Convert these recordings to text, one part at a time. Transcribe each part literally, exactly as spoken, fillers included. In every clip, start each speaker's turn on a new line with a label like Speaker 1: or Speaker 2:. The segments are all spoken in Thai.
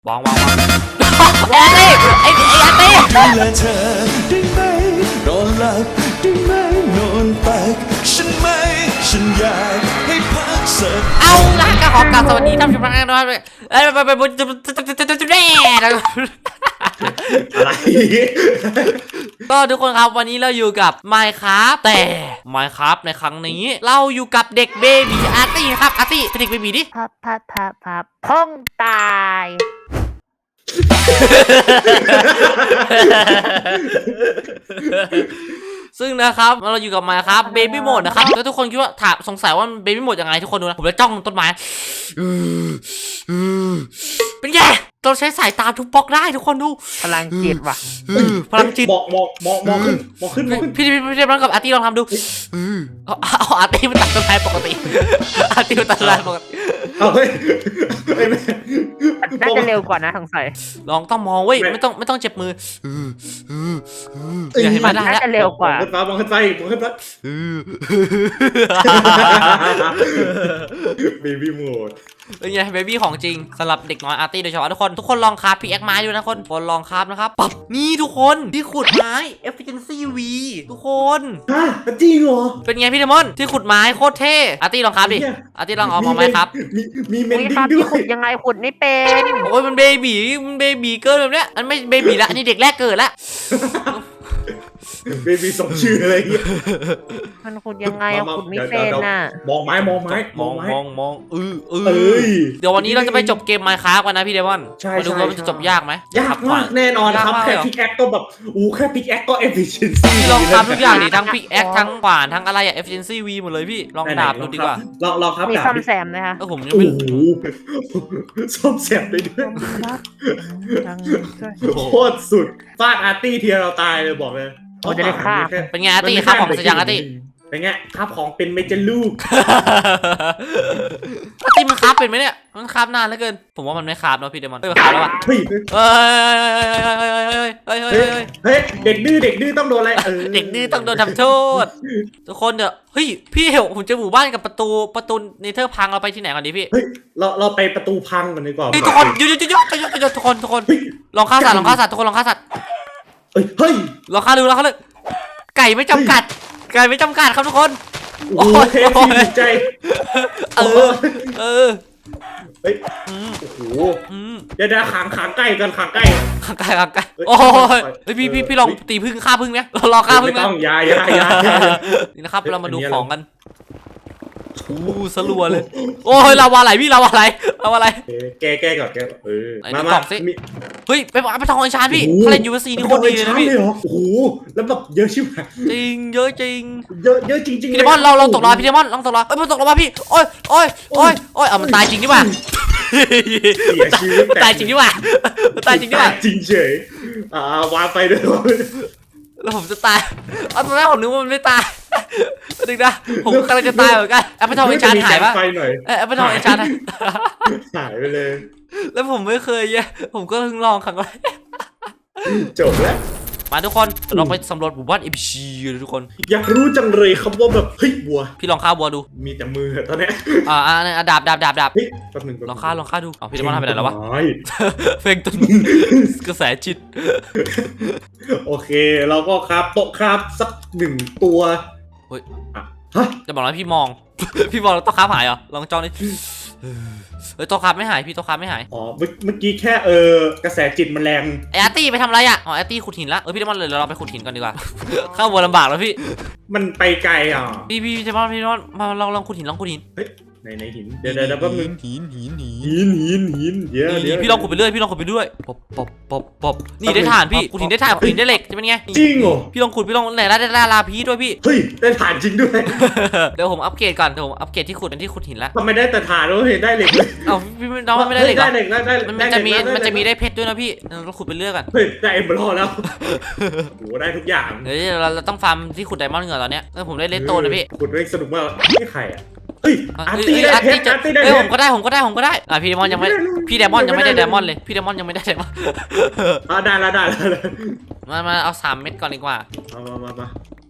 Speaker 1: วางวางวางไอ้ตี้ไอ้ไอ้อาร์ตี้
Speaker 2: ดูแลเธอได้ไหมนอนหลับได้ไหมนอนตักฉันไหมฉันอยากให้พักสัก
Speaker 1: เอาละก็ขอกราบสวัสดีท่านผู้ชมทุกท่านด้วยเอ้ยไปไปไปจุดจุดจุดจุดจุดแน่
Speaker 3: อะไร
Speaker 1: ก็ทุกคนครับวันนี้เราอยู่กับ Minecraft แต่ Minecraft ในครั้งนี้เราอยู่กับเด็กเบบีอาร์ตี้ครับอาร์ตี้เป็นเด็กเบบีดิ
Speaker 4: พับพับพับพับพ้องตาย
Speaker 1: ซึ่งนะครับเราอยู่กับ Minecraft Baby Mode นะครับแล้วทุกคนคิดว่าถามสงสัยว่า Baby Mode ยังไงทุกคนดูนะผมจะจ้องต้นไม้เป็นไงเราใช้สายตาทุบบล็อกได้ทุกคนดู
Speaker 4: พลังจิตว่ะ
Speaker 1: พลังจิต
Speaker 3: มองมองมองมองขึ้นมองขึ้นมองขึ้น
Speaker 1: พี่พี่พี่ลองกับอาร์ตี้ลองทำดูเอาเอาอาร์ตี้มันตัดต้นไม้ปกติอาร์ตี้มันตัดต้นไม้ปกติ
Speaker 3: เอาเฮ้ย
Speaker 4: น่าจะเร็วกว่านะสงสัย
Speaker 1: ลองต้องมองเว้ยไม่ต้องไม่ต้องเจ็บมืออย่าให้มันได้แล้ว
Speaker 4: น่าจะเร็วกว่าม
Speaker 3: องขึ้นฟ้ามองขึ้นไปมองขึ้นฟ้าเบบี้โหมด
Speaker 1: เป็นไงเบบี้ของจริงสำหรับเด็กน้อยอาร์ตี้โดยเฉพาะทุกคนทุกคนลองคราฟพีแอคไม้ดูนะคนคนลองคราฟนะครับปั๊บนี่ทุกคนที่ขุดไม้ efficiency V ทุกคน
Speaker 3: ฮะจริงเหรอ
Speaker 1: เป็นไงพี่เดมอนที่ขุดไม้โคตรเท่อาร์ตี้ลองคราฟดิอาร์ตี้ลองเอามาไหมครับ
Speaker 3: มีมีเมนดิ้ง
Speaker 4: ด้วยขุดยังไงขุดไม่เป็น
Speaker 1: โอ้ยมันเบบี้มันเบบี้เกินแบบเนี้ยอันไม่เบบี้ละอันนี้เด็กแรกเกิดละ
Speaker 3: เบบี้สมชื่ออะไรเงี้ย
Speaker 4: มันขุดยังไงขุดไม่เป็นน่ะ
Speaker 3: มองไม้มองไม้
Speaker 1: มองมองมองเออเออเดี๋ยววันนี้เราจะไปจบเกม Minecraft กันนะพี่เดมอนมาดูว่ามันจะจบยากไหม
Speaker 3: ยากมากแน่นอนครับแค่พิกแอคก็แบบอู้แค่พิกแอคก็ efficiency
Speaker 1: ลองทำทุกอย่างดิทั้งพิกแอคทั้งขวานทั้งอะไรอะ efficiency V หมดเลยพี่ลองดาบดูดีกว่า
Speaker 3: ลองลองครับ
Speaker 4: มีซ่อมแซมนะคะ
Speaker 1: เออผมยังไม่
Speaker 3: ซ่อมแซมได้ด้วยโคตรสุดฟาดอาร์ตี้เทียเราตายเลยบอกเลย
Speaker 4: เราจะได้ฆ่า
Speaker 1: เป็นไงอาร์ตี้ฆ่าของสยังอาร์ตี้
Speaker 3: เป็นไงครับของเป็นเมจิลูก
Speaker 1: อาร์ตี้มันคราฟเป็นไหมเนี่ยมันคราฟนานเหลือเกินผมว่ามันไม่คราฟเนาะพี่เดมอนเฮ้ยคราฟแล้วว่ะ
Speaker 3: เฮ้ย
Speaker 1: เฮ้ยเฮ้ยเฮ้ยเฮ้ย
Speaker 3: เฮ้ยเด็กดื้อเด็กดื้อต้องโดนอะไรเออ
Speaker 1: เด็กดื้อต้องโดนทำโทษทุกคนเดี๋ยวเฮ้ยพี่เหวผมจะหมู่บ้านกับประตูประตูเนเธอร์พังเราไปที่ไหนกันดีพี่
Speaker 3: เฮ้ยเราเราไปประตูพังกันดีกว่า
Speaker 1: ทุกคนหยุดหยุดหยุดหยุดหยุดทุกคนทุกคนลองฆ่าสัตว์ลองฆ่าสัตว์ทุกคนลองฆ่าสัตว์
Speaker 3: เฮ้ย
Speaker 1: ลองฆ่าดูลองฆ่าเลยไก่ไม่จำกัดไก่ไม่จำกัดครับทุกคน
Speaker 3: โอ้ยดีใจ
Speaker 1: เออเออ
Speaker 3: เฮ้ยโอ้โหเดี๋ยวเดี๋ยวขังขังใกล้กันขังใกล้
Speaker 1: ขังใกล้ขังใกล้โอ้ยเฮ้ยพี่พี่พี่ลองตีพึ่งฆ่าพึ่งไหมเราลองฆ่าพึ่งไหม
Speaker 3: ไม่ต้องยายายา
Speaker 1: นี่นะครับเรามาดูของกันอู้สลัวเลยโอ้ยเราว่าอะไรพี่เราว่าอะไรเราว่าอะไร
Speaker 3: แก้แก้ก่อนแก้เออ
Speaker 1: มามาเฮ้ยไปไปทองไอชานพี่ถ้าเล่นยูเอสซีนี่โคตรดีเลยนะพี่
Speaker 3: โอ้โหแล้วแบบเยอะชิบหาย
Speaker 1: จริงเยอะจริง
Speaker 3: เยอะเยอะจริงจริง
Speaker 1: พี่เดมอนเราเราตกรอพี่เดมอนลองตกรอเอ้ยมันตกรอมาพี่โอ้ยโอ้ยโอ้ยโอ้ยเอามันตายจริงดิว่ะตายจริงดิว่ะตายจริงดิว่ะ
Speaker 3: จริงเฉยอ่าวางไปด้วย
Speaker 1: แล้วผมจะตายเอาตอนแรกผมนึกว่ามันไม่ตายดึงนะผมกำลังจะตายเหมือนกันแอปเปิลทองไอชานหายปะแอปเปิลทองไอชาน
Speaker 3: หายไปเลย
Speaker 1: แล้วผมไม่เคยเนี่ยผมก็เพิ่งลองครั้งแรก
Speaker 3: จบแล้ว
Speaker 1: มาทุกคนเราไปสำรวจหมู่บ้านเอพีซีเลยทุกคน
Speaker 3: อยากรู้จังเลยครับว่าแบบเฮ้ยบัว
Speaker 1: พี่ลองฆ่าบัวดู
Speaker 3: มีแต่มือตอนนี้
Speaker 1: อ่าอ่าดาบดาบดาบดาบ
Speaker 3: เฮ้ยแป๊บนึง
Speaker 1: ลองฆ่าลองฆ่าดูอ๋อพี่จะมาทำไปไหนแล้ววะเฟ่งต้นกระแสจิต
Speaker 3: โอเคเราก็ครับโต๊ะครับสักหนึ่งตัว
Speaker 1: เฮ้ยจะบอกว่าพี่มองพี่มองแล้วโต๊ะครับหายเหรอลองจ้องดิเฮ้ยโต๊ะครับไม่หายพี่โต๊ะครับไม่หาย
Speaker 3: อ๋อเมื่อกี้แค่เออกระแสจิตมันแรง
Speaker 1: ไออาร์ตี้ไปทำอะไรอ่ะอ๋ออาร์ตี้ขุดหินละเออพี่เดมอนเลยเราไปขุดหินกันดีกว่าเข้าวัวลำบากแล้วพี่
Speaker 3: มันไปไกลอ่ะ
Speaker 1: พี่พี่เดมอนพี่เดมอนมาลองลองขุดหินลองขุดหิน
Speaker 3: เฮ้ยในในหินเดี๋ยวเดี๋ยวแป๊บนึง
Speaker 1: หินหินหิ
Speaker 3: นหินหินเดี๋ยวเดี๋ยว
Speaker 1: พี่ลองขุดไปเรื่อยพี่ลองขุดไปเรื่อยปบปบปบปบนี่ได้ถ่านพี่ขุดหินได้ถ่านขุดหินได้เหล็กจะเป็นไง
Speaker 3: จริงเหรอ
Speaker 1: พี่ลองขุดพี่ลองไหนได้ได้ลาพีด้วยพี่
Speaker 3: เฮ้ยได้ถ่านจริงด้วย
Speaker 1: เดี๋ยวผมอัปเกรดก่อนเดี๋ยวผมอัปเกรดที่ขุดเป็นที่ขุดหินแล้ว
Speaker 3: ทำไมได้แต่ถ่านแล้วเห็นได้เหล็กเลย
Speaker 1: เอ้าพี่น้องไม่ได้เหล็ก
Speaker 3: ได้เหล็กได้ได้
Speaker 1: มันจะมีมันจะมีได้เพชรด้วยนะพี่เราขุดไปเรื่อยกัน
Speaker 3: เฮ้ยได้เอ็มเบอร์แล้วโหได้ทุกอย่าง
Speaker 1: เฮ้ยเราเราต้องฟาร์มที่ขุดไดมอนด์เหรอตอนเนี้ยผมได้เลสโตนนะพี่
Speaker 3: ขุดเล่นสนุกมากนี่ใครอ่ะเฮ้ยอาร์ตี้ได้เพชรอาร์ตี้ได้
Speaker 1: เฮ้ยผมก็ได้ผมก็ได้ผมก็ได้อ่ะพี่เดมอนยังไม่พี่เดมอนยังไม่ได้เดมอนเลยพี่เดมอนยังไม่ได้เดมอน
Speaker 3: อ่ะได้แล้วได้แล้ว
Speaker 1: มามาเอาสามเม็ดก่อนดีกว่า
Speaker 3: มามามามา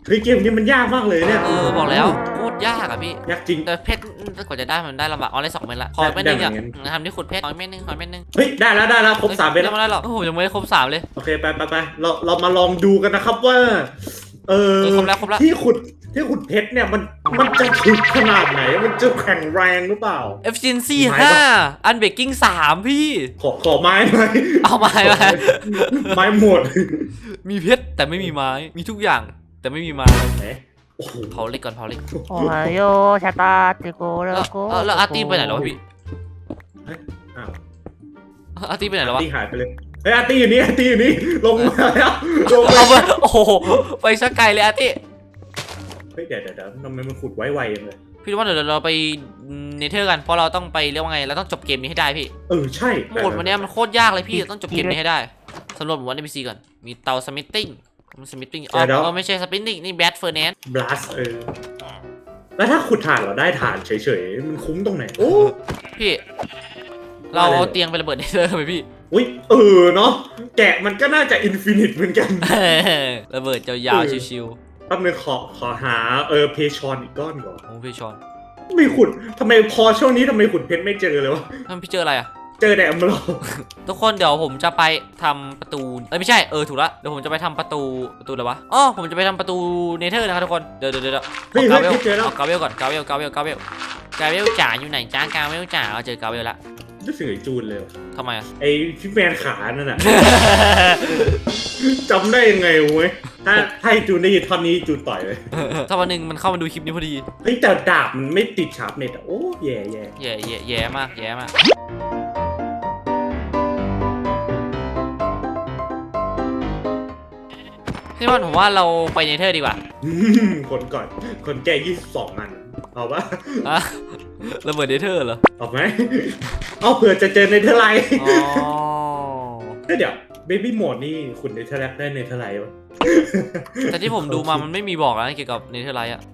Speaker 3: เฮ้ยเกมนี้มันยากมากเลยเนี่ย
Speaker 1: เออบอกแล้วโคตรยากอะพี่
Speaker 3: ยากจริง
Speaker 1: แต่เพชรกว่าจะได้มันได้ลำบากเอาได้สองเม็ดละขอเม็ดหนึงอะ
Speaker 3: ได้เหมือนกัน
Speaker 1: ทำที่ขุดเพชรขอเม็ดหนึงขอเม็ดหนึง
Speaker 3: เฮ้ยได้แล้วได้แล้วครบสามเม็ดแล้ว
Speaker 1: ไม่ได้หรอกโอ้โหยังไม่ได้ครบสามเลย
Speaker 3: โอเคไปไปไปเราเรามาลองดูกันนะครับว่า เออ
Speaker 1: เออครบแล้วครบแล้ว
Speaker 3: ที่ขุดที่ขุดเพชรเนี่ยมันมันจะถึกขนาดไหนมันจะแข็งแรงหรือเปล่า
Speaker 1: efficiency
Speaker 3: ไม้ปะ
Speaker 1: ห้า unbreaking สามพี่
Speaker 3: ขอขอไม้หน่อย
Speaker 1: เอาไม้มา
Speaker 3: ไม้หมด
Speaker 1: มีเพชรแต่ไม่มีไม้มีทุกอย่างแต่ไม่มีไม้
Speaker 3: ไหนโอ้โห
Speaker 1: เผาเหล็กก่อนเผาเหล็ก
Speaker 4: โอ้ยโยชะตาเจโกแล้
Speaker 1: แล้ว ว
Speaker 4: โก
Speaker 1: เออแล้วอาร์ตี้ไปไหนแล้ววะพี่
Speaker 3: อ้าว
Speaker 1: อาร์ตี้ไปไหนแล้ววะ
Speaker 3: อาร์ตี้หายไปเลยเฮ้ยอาร์ตี้อยู่นี่อาร์ตี้อยู่นี่ลงมาแล้วลงมา
Speaker 1: เอาไปโอ้โหไปสักไกลเลยอาร์ตี้
Speaker 3: เฮ้ยเดี๋ยวเดี๋ยวเดี๋ยวทำไมมันขุดไวๆอย่างเลย
Speaker 1: พี่ว่าเดี๋ยวเราไปเนเธอร์กันเพราะเราต้องไปเรียกว่าไงเราต้องจบเกมนี้ให้ได้พี่
Speaker 3: เออใช่
Speaker 1: โหมดวันนี้มันโคตรยากเลยพี่ต้องจบเกมนี้ให้ได้สำรวจหมู่บ้าน เอ็น พี ซี ก่อนมีเตาสมิธติ้งสมิธติ้งอ๋อเออไม่ใช่สปินนิ่งนี่แบทเฟอร์แนน
Speaker 3: บลัสเออแล้วถ้าขุดถ่านเราได้ถ่านเฉยๆมันคุ้มตรงไหนโอ้
Speaker 1: พี่ เราเอาเตียงไประเบิดเนเธอร์ไปพี่
Speaker 3: อุ้ยเออเนาะแกะมันก็น่าจะอินฟินิตเหมือนกัน
Speaker 1: ระเบิดยาวๆชิว
Speaker 3: แป๊บนึงขอขอหาเออเพชอนอีกก้อนก่อน
Speaker 1: ๆโอ้พี่ชอน
Speaker 3: ไม่ขุดทำไมพอช่วงนี้ทำไมขุดเพชรไม่เจอเลยวะ
Speaker 1: ท่านพี่เจออะไรอ่ะ
Speaker 3: เจอแต่อมเรา
Speaker 1: ทุกคนเดี๋ยวผมจะไปทำประตูเอ้ยไม่ใช่เออถูกละเดี๋ยวผมจะไปทำประตูประตูอะไรวะอ๋อผมจะไปทำประตูเนเธอร์นะครับทุกคนเดี๋ยวเดี๋ยวเดี๋ยว
Speaker 3: เฮ้ย
Speaker 1: กา
Speaker 3: เฮ้ย
Speaker 1: เวล
Speaker 3: เฮ้ยเจอแล้ว
Speaker 1: เอากาเวลก่อนกาเวลกาเวลกาเวลกาเวลจ๋าอยู่ไหนจ้ากาเวลจ๋าเอาเจอกาเวลละ
Speaker 3: รู้สึกไอ้จูนเลยว่ะ
Speaker 1: ทำไมอ่ะ
Speaker 3: ไอ้ที่แมนขานั่นน่ะ จำได้ยังไงเว้ยถ้าถ้าไอ้จูนได้ยินท่อนนี้จูนต่อยเลย
Speaker 1: ถ้าวันหนึ่งมันเข้ามาดูคลิปนี้พอดี
Speaker 3: เฮ้ยแต่ดาบมันไม่ติดชาร์ปเน็ตอะโอ้แย่แย่
Speaker 1: แย่แย่แย่มากแย่มากพี่บอลผมว่าเราไปเนเธอร์ดีกว่า
Speaker 3: อืมคนก่อนคนแก่ยี่สิบสองอันเอาปะ
Speaker 1: อะระเบิดเนเธอร์เหรอ
Speaker 3: เอาไหมเอาเผื่อจะเจอในเทอร์ไลท์
Speaker 1: อ๋อ
Speaker 3: เดี๋ยวเบบี้โหมดนี่คุณในเทอร์ไลท์ได้ในเทอร์ไลท์ปะ
Speaker 1: แต่ที่ผมดูมามันไม่มีบอกนะเกี่ยวกับเนเธอร์ไลท์อะ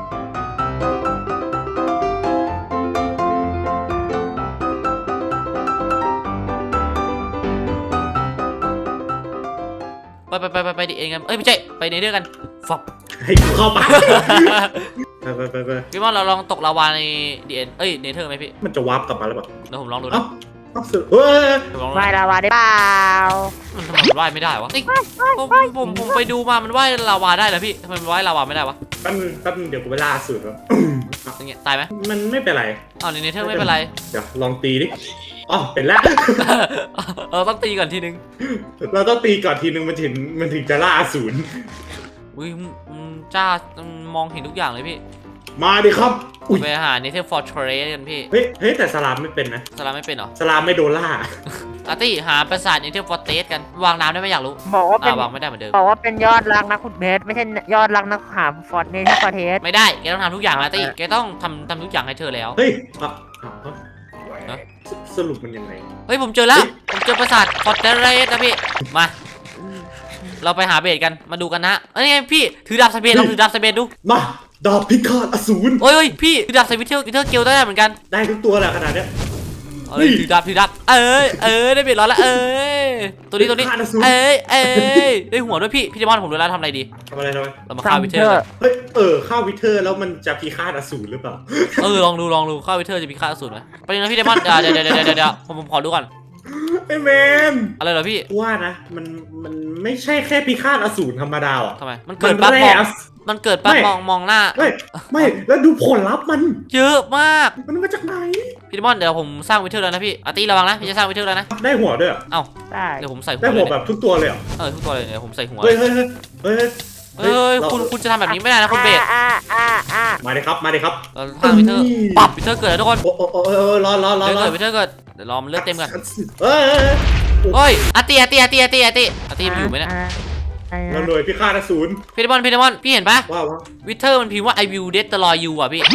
Speaker 1: ไปไปไปไปไปดิเองกันเอ้ยไม่ใช่ไปเนเธอร์กันฟับ
Speaker 3: ให้กูเข้าไป ไปไปไปไป
Speaker 1: พี่ว่าเราลองตกลาวาในดีเอ็นเอ้ยเนเธอร์ไหมพี่
Speaker 3: มันจะวาร์ปกลับมาแล้วปะ
Speaker 1: เดี๋ยวผมลองดู
Speaker 3: เอ้า
Speaker 1: นะ
Speaker 3: เอ้าสุดเฮ้ย
Speaker 1: เดี๋ยวผมลองดู
Speaker 4: ไม่
Speaker 1: นะ
Speaker 4: ละวาได้เปล่า
Speaker 1: มันทำไมมันว่ายไม่ได้วะเอ้ยผมผมผมไปดูมามันว่ายลาวาได้เหรอพี่ทำไมมันว่ายลาวาไม่ได้วะ
Speaker 3: แป๊บนึงแป๊บนึงเดี๋ยวกูไปล่าสุดแล้ว
Speaker 1: อย่างเงี้ยตายไหม
Speaker 3: มันไม่เป็นไร
Speaker 1: อ้าวในเนเธอร์ไม่เป็นไร
Speaker 3: เดี๋ยวลองตีดิอ๋อเป็นแล้ว
Speaker 1: เออต้องตีก่อนทีนึง
Speaker 3: เราต้องตีก่อนทีนึงมันถึงมันถึงจะล่าอสูร
Speaker 1: อุ้ยอืมจ้าอืมมองเห็นทุกอย่างเลยพี่
Speaker 3: มาดิครับอุ้ย
Speaker 1: ไปหาเนเธอร์ฟอร์เทรสกันพี่
Speaker 3: เฮ้ยเฮ้ยแต่สลามไม่เป็นนะ
Speaker 1: สลามไม่เป็นเหรอ
Speaker 3: สลามไม่โดนล่า
Speaker 1: อาร์ตี้หาปราสาทเนเธอร์ฟอร์เทสกันวางน้ำได้ไหมอยากรู้
Speaker 4: บอกว่าเป็น
Speaker 1: อ่าวางไม่ได้เหมือนเดิม
Speaker 4: บอกว่าเป็นยอดรักนักขุดเพชรไม่ใช่ยอดรักนักหาฟอร์ดเนที่ฟอร์เทส
Speaker 1: ไม่ได้แกต้องทำทุกอย่างอาร์ตี้แกต้องทำทำทุกอย่างให้เธอแล้ว
Speaker 3: เฮ้ยอ่ะอ่ะ
Speaker 1: ฮะ
Speaker 3: สสรุปมันยังไง
Speaker 1: เฮ้ยผมเจอแล้วผมเจอปราสาทฟอร์เทสนะพี่มาเราไปหาเบสกันมาดูกันนะเอ้ยไงพี่ถือดาบสเปนลองถือดาบสเปนดู
Speaker 3: มาดาบพิฆาตอสูร
Speaker 1: โอ้ยโอ้ยพี่ถือดาบสวิตเทอร์วิเทอร์เกลได้เหมือนกัน
Speaker 3: ได้ทุกตัวแหละขนาดเนี้ย
Speaker 1: เอาเลยถือดาบถือดาบเอ้ยเอ้ยได้เบสร้อยละเอ้ยตัวนี้ตัวนี้
Speaker 3: พิฆาตอสูร
Speaker 1: เอ้ยเอ้ยได้หัวด้วยพี่พี่เดมอนผมรู้แล้วทำอะไรดี
Speaker 3: ทำอะไรทำไม
Speaker 1: เรามาฆ่าวิเทอร์กัน
Speaker 3: เฮ้ยเออข้าววิเทอร์แล้วมันจะพิฆาตอสูรหรือเปล่า
Speaker 1: เออลองดูลองดูฆ่าวิเทอร์จะมีค่าสูตรไหมไปเลยนะพี่เดมอนเดี๋ยวเดี๋ยวเดี๋ยวเดี๋ยวเดี๋ยวผมผมขอดูก่อน
Speaker 3: ไอ้แมน
Speaker 1: อะไรเหรอพี่
Speaker 3: ว่านะมันมันไม่ใช่แค่พิฆาตอสูรธรรมดาอ่ะ
Speaker 1: ทำไมมันเกิดปั๊บ
Speaker 3: มัน
Speaker 1: ม
Speaker 3: แร่
Speaker 1: องมันเกิดปั๊บ
Speaker 3: ไม่
Speaker 1: มองมองหน้า
Speaker 3: ไม่ไม่แล้วดูผลลัพธ์มัน
Speaker 1: เยอะมาก
Speaker 3: มันมาจากไหน
Speaker 1: พี่เดมอนเดี๋ยวผมสร้างวิเทอร์แล้วนะพี่อาร์ตี้ระวังนะพี่จะสร้างวิเทอร์แล้วนะ
Speaker 3: ได้หัวด้วยเหรอ
Speaker 1: เอ้า
Speaker 4: ได้
Speaker 1: เดี๋ยวผมใส่หัว
Speaker 3: ได้
Speaker 1: เล
Speaker 3: หัวย แบ
Speaker 1: เนี่ย
Speaker 3: บทุกตัวเลยเหรอ
Speaker 1: เออทุกตัวเลยเดี๋ยวผมใส่หัว
Speaker 3: เฮ้ยเฮ้ยเฮ้ยเฮ้ย
Speaker 1: เอ้ยคุณคุณจะทำแบบนี้ไม่ได้นะคุณเบส
Speaker 4: อ่าอ่าอ่า
Speaker 3: มาดิครับมาดิครับ
Speaker 1: เราสร้างวิเทอร์ปรับวิเทอร์เกิดแล้วทุกคน
Speaker 3: โอ้โอ้โอ้โอ้รอรอรอ
Speaker 1: เดี๋ยว
Speaker 3: รอ
Speaker 1: เกิดวิเทอร์เกิดเดี๋ยวรอมันเลือดเต็มก่อน
Speaker 3: เฮ้ย
Speaker 1: เฮ้ยอาร์ตี้อาร์ตี้อาร์ตี้อาร์ตี้อาร์ตี้อาร์ตี้มันอยู่ไหมเนี่ย
Speaker 3: เราหน่วยพิฆาตอสูร
Speaker 1: พี่เดมอนพี่เดมอนพี่เห็นปะ
Speaker 3: ว้าวว้าว
Speaker 1: วิเทอร์มันพิมพ์ว่า I will destroy you อ่ะพี่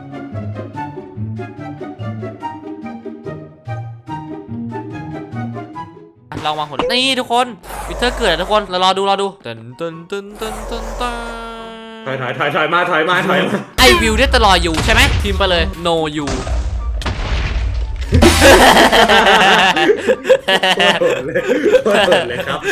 Speaker 1: ลองวางผลนี่ทุกคนวิเทอร์เกิดแล้วทุกคนเรารอดูรอดูตึนตึนตึนตึนตึนตึน
Speaker 3: ถอยถอยถอยถอยมาถอยมาถอยมา
Speaker 1: I will destroy you ใช่ไหมพิมพ์ไปเลย no you
Speaker 3: โหดเลยโหดเลยครับ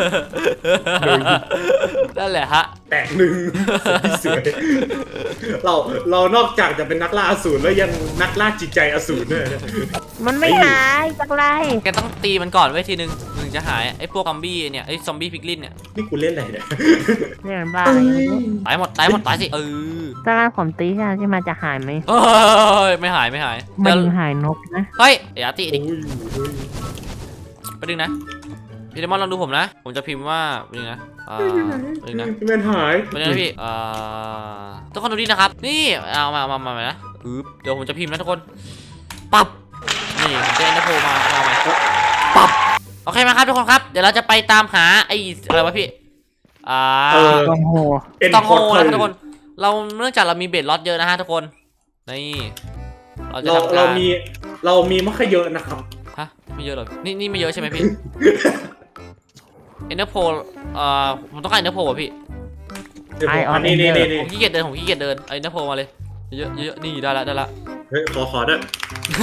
Speaker 1: นั่นแหละฮะ
Speaker 3: แตกหนึ่งสวยเราเรานอกจากจะเป็นนักล่าอสูรแล้วยังนักล่าจิตใจอสูรด้วยนะ
Speaker 4: มันไม่หายสักไร
Speaker 1: แกต้องตีมันก่อนไว้ทีนึงถึงจะหายไอ้พวกซอมบี้เนี่ยไอ้ซอมบี้พิกลินเนี่ย
Speaker 3: นี่กูเล่นอะไรเนี่ย
Speaker 4: เนี่ยมันบ้า
Speaker 1: ตายหมดตายหมดตายสิเออ
Speaker 4: ถ้าผมตีใช่ไหมที่มันจะหายไหม
Speaker 1: เอ้ยไม่หายไม่หาย
Speaker 4: มั
Speaker 1: เดี๋
Speaker 4: น
Speaker 1: ยว
Speaker 4: หายนกนะ
Speaker 1: เฮ้ยเดี๋ยวอาร์ตี้ดิ
Speaker 3: โอ้ยโอ้ย
Speaker 1: ไปดึงนะพี่เดมอนลองดูผมนะ ผมจะพิมพ์ว่าไปดึงนะอ่าไปดึงนะ
Speaker 3: พี่แมนหาย
Speaker 1: ไปดึงนะพี่อ่าทุกคนดูดินะครับ นี่เอามาเอามามามานะอึ๊บเดี๋ยวผมจะพิมพ์นะทุกคนปับนี่ผมจะเอ็นเตอร์โพมาเอามาปับโอเคมาครับทุกคนครับเดี๋ยวเราจะไปตามหาไอ้อะไรวะพี่อ่า
Speaker 3: เออ
Speaker 4: กองโห
Speaker 3: เอ็น
Speaker 1: ตอง
Speaker 3: พ
Speaker 1: โฮ
Speaker 3: อร์
Speaker 1: นะครับทุกคน เราเนื่องจากเรามีเบสล็อตเยอะนะฮะทุกคน นี่ เราจะ
Speaker 3: เรา
Speaker 1: ทำ
Speaker 3: เรา
Speaker 1: การ
Speaker 3: มีเรามีมะขเยอะนะครับ
Speaker 1: ฮะไม่เยอะหรอกนี่นี่ไม่เยอะใช่ไหมพี่ เอ็นเตอร์โพเอ่อผมต้องการเอ็นเตอร์โพอ่ะพี่
Speaker 3: เดี๋ยวผมอันนี้นี่นี่นี่
Speaker 1: ผมขี้เกียจเดินผมขี้เกียจเดินเอาเอ็นเตอร์โพมาเลย เยอะเยอะนี่ได้ละได้ละ
Speaker 3: เฮ้ยขอขอด้วย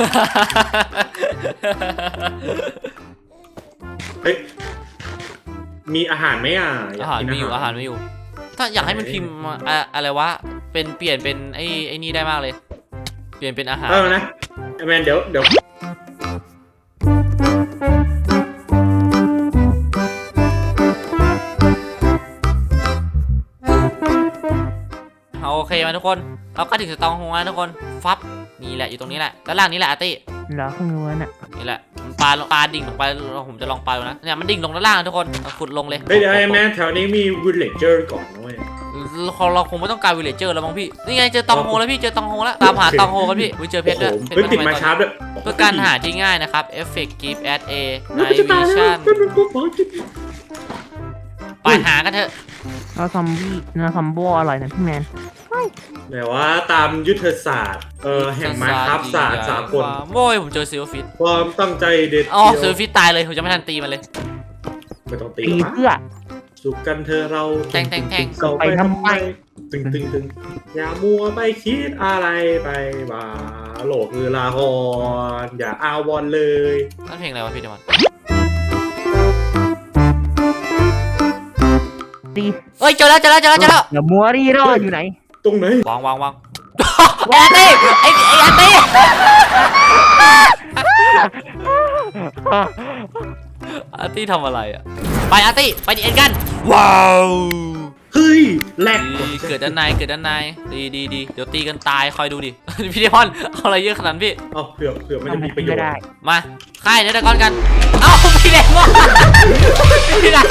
Speaker 3: เฮ้ยมีอาหารไหมอ่ะย
Speaker 1: อาก หาร
Speaker 3: กิน
Speaker 1: มีอยู่อาหารมีอยู่ ถ้าอยากให้มันพิมพ์มาอะอะไรวะ เป็นเปลี่ยนเป็นไอ้ไอ้นี่ได้มากเลย เปลี่ยนเป็นอาหาร
Speaker 3: เออนะไอ้แมนเดี๋ยวเดี๋ยว
Speaker 1: เอาโอเคมาทุกคน เราก็ถึงสตองโฮงแล้วทุกคน ฟับ นี่แหละอยู่ตรงนี้แหละ ด้านล่างนี้แหละอาร์ตี้
Speaker 4: เหรอเพิ่งรู้น่ะ
Speaker 1: นี่แหละมันปลาปลาดิ่งลงไปผมจะลองปลาดูนะเนี่ยมันดิ่งลงด้านล่างนะทุกคนเอาขุดลงเลย
Speaker 3: เฮ้ยเดี๋ยวไอ้แมนแถวนี้มีวิลเลจเจอร์ก่อนนะเว้ย
Speaker 1: เราเราคงไม่ต้องการวิลเลจเจอร์แล้วมั้งพี่นี่ไงเจอตองโฮแล้วพี่เจอตองโฮแล้วตามหาตองโฮกันพี่วิเจอเพชรด้วย
Speaker 3: โอ้โห
Speaker 1: เพชร
Speaker 3: เฮ้ยติด
Speaker 1: ทำ
Speaker 3: มา
Speaker 1: ไตอน
Speaker 3: ชาร์ปด้วย
Speaker 1: เพื่อการหาที่ง่ายนะครับ Effect Give at A
Speaker 3: เฮ้ย
Speaker 1: Night
Speaker 3: จะตายแล้ว
Speaker 1: Vision
Speaker 3: เป็นเป็นพวกหมอจิต
Speaker 1: ไปหากันเถอะ
Speaker 4: แล้วซอมบี้เนื้อซอมโบอร่อยนะพี่แมน
Speaker 3: แต่ว่าตามยุทธศาสตร์เออแห่งไม้ครับศาสตร์สากล
Speaker 1: โว้ยผมเจอซิลฟิต
Speaker 3: ความตั้งใจเด็ด
Speaker 1: อ๋อ
Speaker 3: เดี
Speaker 1: ซิ
Speaker 3: ย
Speaker 1: ล
Speaker 3: ว
Speaker 1: ฟิตตายเลยผมจะไม่ทันตีมันเลย
Speaker 3: ไม่ต้องตี
Speaker 4: ตี
Speaker 3: หรอก
Speaker 4: เพื่อ
Speaker 3: สุกกันเธอเรา
Speaker 1: แทงแทงแทง
Speaker 3: เก่าไป
Speaker 4: ไปทำ
Speaker 3: ทำ
Speaker 4: ไม
Speaker 3: ไมตึงตึงตึงอย่ามัวไปคิดอะไรไปว่าโลกคือลาฮอนอย่าอาวอนเลย
Speaker 1: นั่นเพลงอะไรวะพี่เดมอน
Speaker 4: ตี
Speaker 1: เอ้ยเจอแล้วเจอแล้วเจอแล้วเจอแล้ว
Speaker 4: เดี๋ยวมัวรีรออยู่ไหน
Speaker 3: ตรงไหน
Speaker 1: วางวางวางไอ้อาร์ตี้ไอ้ไอ้อาร์ตี้อาร์ตี้ทำอะไรอ่ะไปอาร์ตี้ไปดีเอ็นกันว้าว
Speaker 3: เฮ้ยแหลก
Speaker 1: ดีเกิดด้านในเกิดด้านในดีดีดีเดี๋ยวตีกันตายคอยดูดิ พี่เดมอนเอาอะไรเยอะขนาดนั้นพี่
Speaker 3: เอาเผื่อเผื่อไม่ได้
Speaker 4: ทำ
Speaker 3: มีประโย
Speaker 4: ไม่
Speaker 3: ชน์
Speaker 4: ได้
Speaker 1: มาค่ายเนื้อตะกอนกันเอ้าพี่เดมอนพี่เดมอน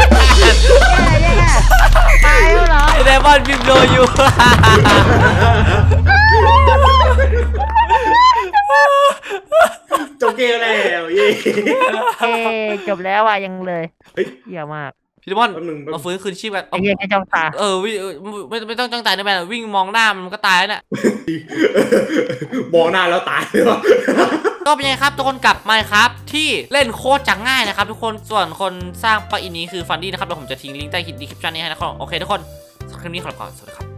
Speaker 4: ตายแล้วเหรอ
Speaker 1: พี่เดมอนพิมพ์โดอยู่
Speaker 3: จบเกมแล้วเย้
Speaker 4: เอ้จบแล้วอ่ะยังเลย
Speaker 3: เฮ้ย
Speaker 4: เยี่ยมาก
Speaker 1: พี่เดมอน
Speaker 3: แป๊บนึงแป๊บ
Speaker 1: เรา
Speaker 3: นึง
Speaker 1: ฟื้นคืนชีพกัน
Speaker 4: ไอ้เหี้ยไอ้เจ้าตา
Speaker 1: เออวิ่งเออไม่ไม่ต้องจ้องตายนะแม่วิ่งมองหน้ามันก็ตายแล้วน่ะ
Speaker 3: มองหน้าแล้วตายเลยวะ
Speaker 1: ก็เป็นไงครับทุกคนกลับมาครับที่เล่นโคตรจะง่ายนะครับทุกคนส่วนคนสร้างปลั๊กอินนี้คือฟันดี้นะครับเดี๋ยวผมจะทิ้งลิงก์ใต้คลิปดีคริปชันนี้ให้นะครับโอเคทุกคนสำหรับคลิปนี้ขอลาไปก่อนสวัสดีครับ